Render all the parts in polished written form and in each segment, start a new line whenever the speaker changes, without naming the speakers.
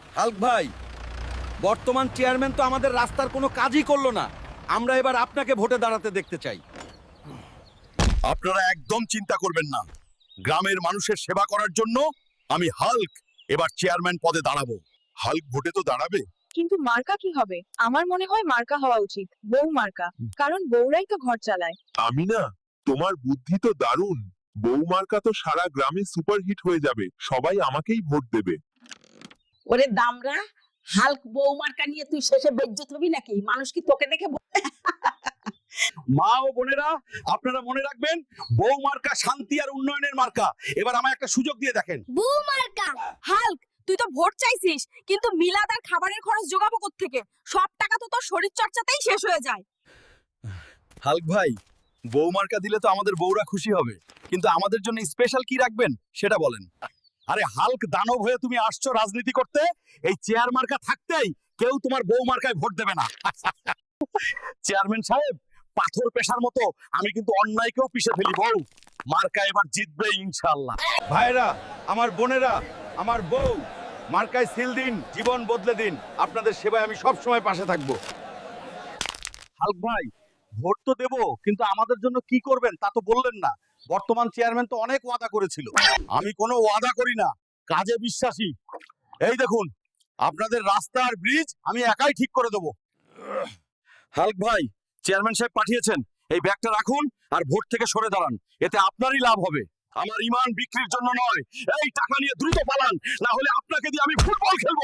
Hulk ভাই, বর্তমান chairman তো আমাদের রাস্তার কোনো কাজই করলো না। আমরা এবার আপনাকে ভোটে দাঁড়াতে দেখতে চাই।
আপনারা একদম চিন্তা করবেন না। গ্রামের মানুষের সেবা করার জন্য আমি হাল্ক এবার চেয়ারম্যান পদে দাঁড়াবো। হাল্ক ভোটে তো দাঁড়াবে।
কিন্তু মার্কা কি হবে? আমার মনে হয় মার্কা হওয়া উচিত, বউ মার্কা। কারণ বউরাই তো ঘর চালায়।
আমি না, তোমার বুদ্ধি তো দারুণ। বৌমার্কা তো সারা গ্রামে সুপারহিট হয়ে যাবে, সবাই আমাকেই ভোট দেবে।
ওরে দামরা, হাল্ক বৌমার্কা নিয়ে তুই শেষে বেজ্জত হবি নাকি? মানুষ কি তোকে দেখে
মা ও বোনেরা, আপনারা মনে রাখবেন, বউ মার্কা শান্তি আর উন্নয়নের মার্কা। এবার আমায় একটা সুযোগ দিয়ে দেখেন।
বউ মার্কা। হাল্ক, তুই তো ভোট চাইছিস, কিন্তু মিলাদ আর খাবারের খরচ জোগাবো কোত্থেকে? সব টাকা তো তোর শরীর চর্চাতেই শেষ হয়ে যায়।
হাল্ক ভাই, বউ মার্কা দিলে তো আমাদের বউরা খুশি হবে, কিন্তু আমাদের জন্য স্পেশাল কি রাখবেন সেটা বলেন। আরে হাল্ক দানব হয়ে তুমি আসছো রাজনীতি করতে, এই চেয়ার মার্কা থাকতেই কেউ তোমার বউ মার্কায় ভোট দেবে না। চেয়ারম্যান সাহেব, পাথর পেশার মতো আমি কিন্তু অন্যায়কেও পিষে ফেলি। বউ মার্কা এবার জিতবে ইনশাআল্লাহ। ভাইরা, আমার বোনেরা, আমার বউ মার্কায় সিল দিন, জীবন বদলে দিন। আপনাদের সেবায় আমি সব সময় পাশে থাকবো। হাল্ক ভাই, ভোট তো দেবো, কিন্তু আমাদের জন্য কি করবেন তা তো বললেন না। বর্তমান চেয়ারম্যান তো অনেক ওয়াদা করেছিল। আমি কোনো ওয়াদা করি না, কাজে বিশ্বাসী। এই দেখুন, আপনাদের রাস্তা আর ব্রিজ আমি একাই ঠিক করে দেবো। হাল্ক ভাই, চেয়ারম্যান সাহেব পাঠিয়েছেন, এই ব্যাগটা রাখুন আর ভোট থেকে সরে দাঁড়ান। এতে আপনারই লাভ হবে। আমার ইমান বিক্রির জন্য নয়। এই টাকা নিয়ে দ্রুত পালান, না হলে আপনাকে দিয়ে আমি ফুটবল খেলবো।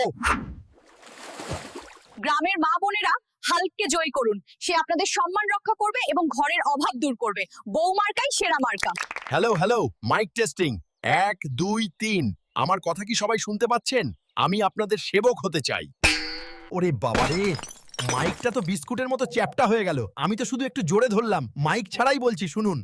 গ্রামের মা বোনেরা, হাল্ককে জয় করুন। সে আপনাদের সম্মান রক্ষা করবে এবং ঘরের অভাব দূর করবে। বউ মার্কাই সেরা মার্কা।
Hello hello, mike testing 1 2 3। আমার কথা কি সবাই শুনতে পাচ্ছেন? আমি আপনাদের সেবক হতে চাই। ওরে বাবারে, মাইকটা তো বিস্কুটের মতো চ্যাপটা হয়ে গেল। আমি তো শুধু একটু জোরে ধরলাম, মাইক ছাড়াই বলছি, শুনুন।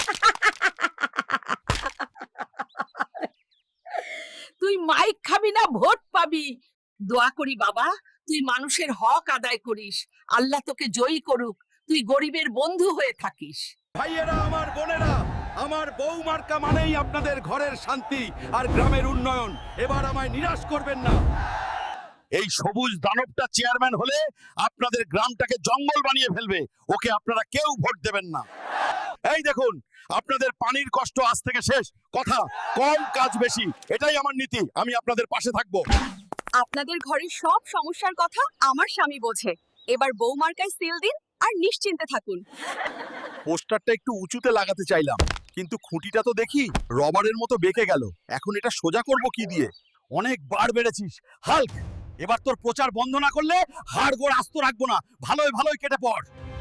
তুই মাইক খাবি না ভোট পাবি? দোয়া করি বাবা, তুই মানুষের হক আদায় করিস, আল্লাহ তোকে জয়ী করুক, তুই গরিবের বন্ধু হয়ে থাকিস।
ভাইয়েরা, আমার বোনেরা, আমার বউ মার্কা মানেই আপনাদের ঘরের শান্তি আর গ্রামের উন্নয়ন। এবার আমায় নিরাশ করবেন না। এই সবুজ দানবটা চেয়ারম্যান হলে আপনাদের গ্রামটাকে জঙ্গল বানিয়ে ফেলবে। ওকে আপনারা কেউ ভোট দেবেন না। এই দেখুন, আপনাদের পানির কষ্ট আজ থেকে শেষ। কথা কম, কাজ বেশি, এটাই আমার নীতি। আমি আপনাদের পাশে থাকবো।
আপনাদের ঘরের সব সমস্যার কথা আমার স্বামী বোঝে। এবার বউ মার্কায় সিল দিন আর নিশ্চিন্তে থাকুন।
পোস্টারটা একটু উঁচুতে লাগাতে চাইলাম, কিন্তু খুঁটিটা তো দেখি রবারের মতো বেঁকে গেল। এখন এটা সোজা করব কি দিয়ে?
অনেক বার বেড়েছিস হাল্ক, এবার তোর প্রচার বন্ধ না করলে হাড় গোড় আস্ত রাখবো না। ভালোই ভালোই কেটে পড়।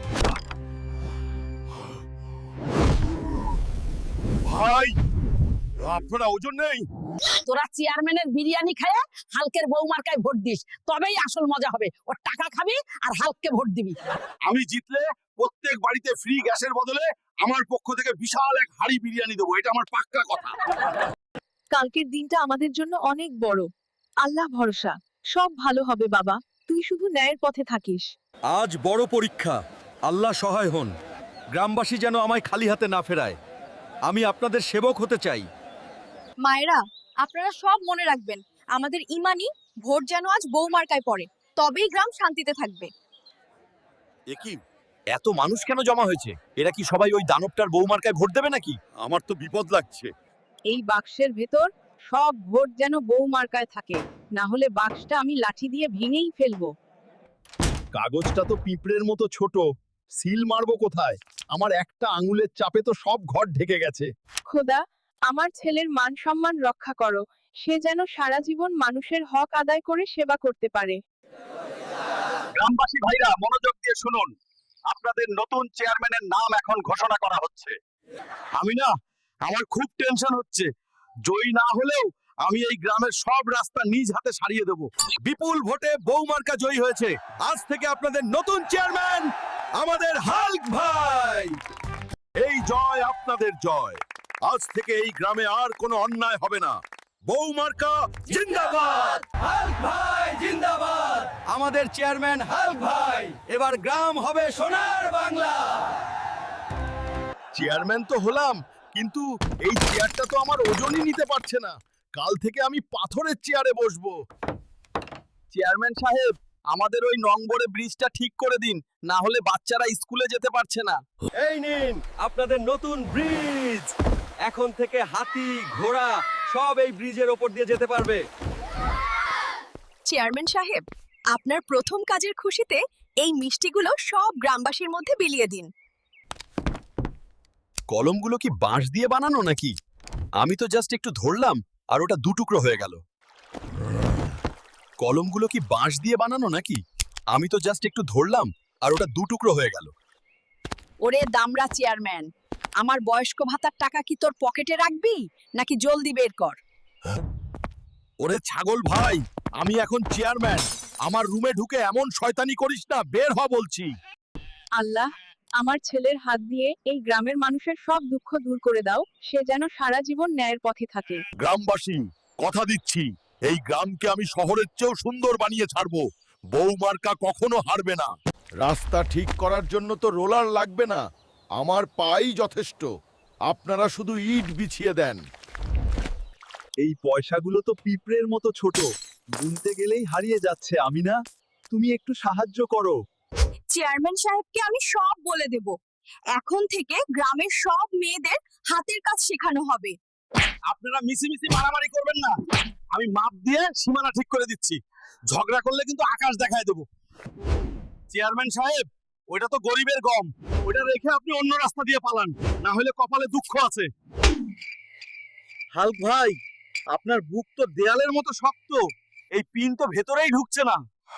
ভাই, আপনারা ওজন নেই।
তোরা চেয়ারম্যানের বিরিয়ানি খায় হালকের বৌমার্কায় ভোট দিস, তবেই আসল মজা হবে। ওর টাকা খাবি আর হালককে ভোট দিবি।
আমি জিতলে প্রত্যেক বাড়িতে ফ্রি গ্যাসের বদলে আমার পক্ষ থেকে বিশাল এক হাড়ি বিরিয়ানি দেবো। এটা আমার পাক্কা কথা।
কালকের দিনটা আমাদের জন্য অনেক বড়। আল্লাহ ভরসা, সব ভালো হবে বাবা। তুই শুধু ন্যায়ের পথে থাকিস।
আজ বড় পরীক্ষা, আল্লাহ সহায় হন। গ্রামবাসী যেন আমায় খালি হাতে না ফেরায়। আমি আপনাদের সেবক হতে চাই।
মায়েরা, আপনারা সব মনে রাখবেন, আমাদের ইমানি ভোট যেন আজ বউ মার্কায় পড়ে, তবেই গ্রাম শান্তিতে থাকবে।
এ কি, এত মানুষ কেন জমা হয়েছে? এরা কি সবাই ওই দানবটার বৌমার্কায় ভোট দেবে নাকি?
আমার তো বিপদ লাগছে।
এই বাক্সের ভেতর সব ভোট যেন বউ মার্কায় থাকে, না হলে বাক্সটা আমি লাঠি দিয়ে ভেঙেই ফেলবো।
কাগজটা তো পিঁপড়ের মতো ছোট, সিল মারবো কোথায়? আমার একটা আঙুলের চাপে তো সব ঘর ঢেকে গেছে।
খোদা, আমার ছেলের মান সম্মান রক্ষা করো। সে যেন সারা জীবন মানুষের হক আদায় করে সেবা করতে পারে।
গ্রামবাসী ভাইরা, মনোযোগ দিয়ে শুনুন। আপনাদের নতুন চেয়ারম্যানের নাম এখন ঘোষণা করা হচ্ছে। আমার খুব টেনশন হচ্ছে। জয়ী না হলেও আমি এই গ্রামের সব রাস্তা নিজ হাতে সারিয়ে দেব। বিপুল ভোটে বৌমার্কা জয়ী হয়েছে। আজ থেকে আপনাদের নতুন চেয়ারম্যান আমাদের হাল্ক ভাই। এই জয় আপনাদের জয়। আজ থেকে এই গ্রামে আর কোনো অন্যায় হবে না। বৌমার্কা জিন্দাবাদ, হাল্ক ভাই জিন্দাবাদ। আমাদের চেয়ারম্যান হাল্ক ভাই, এবার গ্রাম হবে সোনার বাংলা।
চেয়ারম্যান তো হলাম, কিন্তু এই চেয়ারটা তো আমার ওজনই নিতে পারছে না। কাল থেকে আমি পাথরের চেয়ারে বসবো।
চেয়ারম্যান সাহেব, আমাদের ওই নম্বরে ব্রিজটা ঠিক করে দিন, না হলে বাচ্চারা স্কুলে যেতে পারছে না।
এই নিন আপনাদের নতুন ব্রিজ। এখন থেকে হাতি ঘোড়া সব এই ব্রিজের ওপর দিয়ে যেতে পারবে।
চেয়ারম্যান সাহেব, আপনার প্রথম কাজের খুশিতে এই মিষ্টিগুলো সব গ্রামবাসীর মধ্যে বিলিয়ে দিন।
কলমগুলো কি বাঁশ দিয়ে বানানো নাকি? আমি তো জাস্ট একটু ধরলাম আর ওটা দুটুকরো হয়ে গেল। কলমগুলো কি বাঁশ দিয়ে বানানো নাকি? আমি তো জাস্ট একটু ধরলাম আর ওটা দুটুকরো হয়ে গেল।
ওরে দামড়া চেয়ারম্যান, আমার বয়স্ক ভাতার টাকা কি তোর পকেটে রাখবি নাকি জলদি বের কর?
ওরে ছাগল ভাই, আমি এখন চেয়ারম্যান, আমার রুমে ঢুকে এমন শয়তানি করিস না, বের হ বলছি।
আল্লাহ, আমার ছেলের হাত দিয়ে এই গ্রামের মানুষের সব দুঃখ দূর করে দাও, সে যেন সারা জীবন ন্যায়ের পথে থাকে।
গ্রামবাসী, কথা দিচ্ছি এই গ্রামকে আমি শহরের চেয়েও সুন্দর বানিয়ে ছাড়বো। বৌমার্কা কখনো হারবে না। রাস্তা ঠিক করার জন্য তো রোলার লাগবে না, আমার পাই যথেষ্ট। আপনারা শুধু ইট বিছিয়ে দেন।
এই পয়সাগুলো তো পিঁপড়ের মতো ছোট, গুনতে গেলেই হারিয়ে যাচ্ছে। আমিনা, তুমি একটু সাহায্য করো।
চেয়ারম্যান সাহেবকে আমি সব বলে দেব। এখন থেকে গ্রামের সব মেয়েদের হাতের কাজ শেখানো হবে।
আপনারা মিছিমিছি মারামারি করবেন না, আমি মাপ দিয়ে সীমানা ঠিক করে দিচ্ছি। ঝগড়া করলে কিন্তু আকাশ দেখায় দেবো। চেয়ারম্যান সাহেব, ওইটা তো গরিবের গম, ওইটা রেখে আপনি অন্য রাস্তা দিয়ে পালান, না হলে কপালে দুঃখ আছে। হাল্ক ভাই, আপনার বুক তো দেয়ালের মতো শক্ত, এই পিন তো ভেতরেই ঢুকছে না।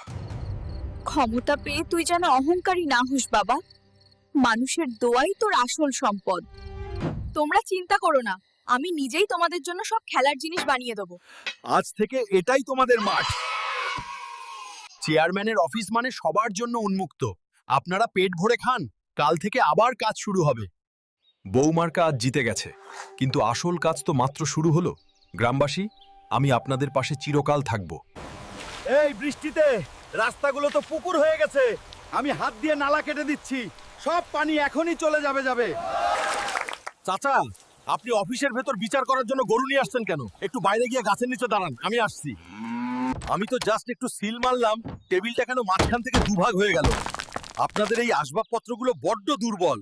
ক্ষমতা পেয়ে তুই যেন অহংকারী না হোস বাবা। মানুষের দোয়াই তোর আসল সম্পদ। তোমরা চিন্তা করো না, আমি নিজেই তোমাদের জন্য সব খেলার জিনিস বানিয়ে দেবো।
আজ থেকে এটাই তোমাদের মাঠ। চেয়ারম্যানের অফিস মানে সবার জন্য উন্মুক্ত। আপনারা পেট ভরে খান, কাল থেকে আবার কাজ শুরু হবে। বৌমার্কা আজ জিতে গেছে, কিন্তু আসল কাজ তো মাত্র শুরু হলো। গ্রামবাসী, আমি আপনাদের পাশে চিরকাল থাকব।
এই বৃষ্টিতে রাস্তাগুলো তো পুকুর হয়ে গেছে, আমি হাত দিয়ে নালা কেটে দিচ্ছি, সব পানি এখনই চলে যাবে।
চাচা, আপনি অফিসের ভেতর বিচার করার জন্য গরু নিয়ে আসছেন কেন? একটু বাইরে গিয়ে গাছের নিচে দাঁড়ান, আমি আসছি। আমি তো জাস্ট একটু সিল মারলাম, টেবিলটা কেন মাঝখান থেকে দুভাগ হয়ে গেল? আপনাদের এই আসবাবপত্রগুলো বড্ড দুর্বল।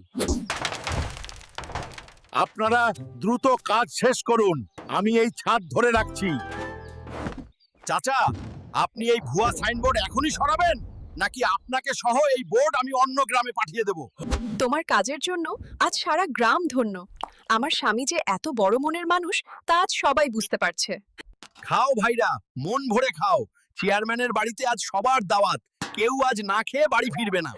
আপনারা দ্রুত কাজ শেষ করুন, আমি এই ছাদ ধরে রাখছি।
চাচা, আপনি এই ভুয়া সাইনবোর্ড এখনই সরাবেন, নাকি আপনাকে সহ এই বোর্ড আমি অন্য গ্রামে পাঠিয়ে দেব?
তোমার কাজের জন্য আজ সারা গ্রাম ধন্য। আমার স্বামী যে এত বড় মনের মানুষ তা আজ সবাই বুঝতে পারছে।
খাও ভাইরা, মন ভরে খাও। চেয়ারম্যানের বাড়িতে আজ সবার দাওয়াত, কেউ আজ না খেয়ে বাড়ি ফিরবে না।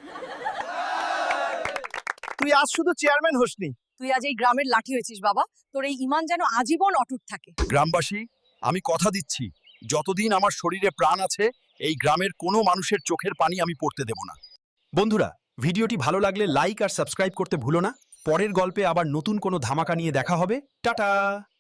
তুই আজ শুধু চেয়ারম্যান হোসনি,
তুই আজ এই গ্রামের লাঠি হয়েছিস বাবা। তোর এই ঈমান যেন আজীবন অটুট থাকে।
গ্রামবাসী, আমি কথা দিচ্ছি, যতদিন আমার শরীরে প্রাণ আছে এই গ্রামের কোনো মানুষের চোখের পানি আমি পড়তে দেব না। বন্ধুরা, ভিডিওটি ভালো লাগলে লাইক আর সাবস্ক্রাইব করতে ভুলো না। পরের গল্পে আবার নতুন কোনো ধামাকা নিয়ে দেখা হবে। টাটা।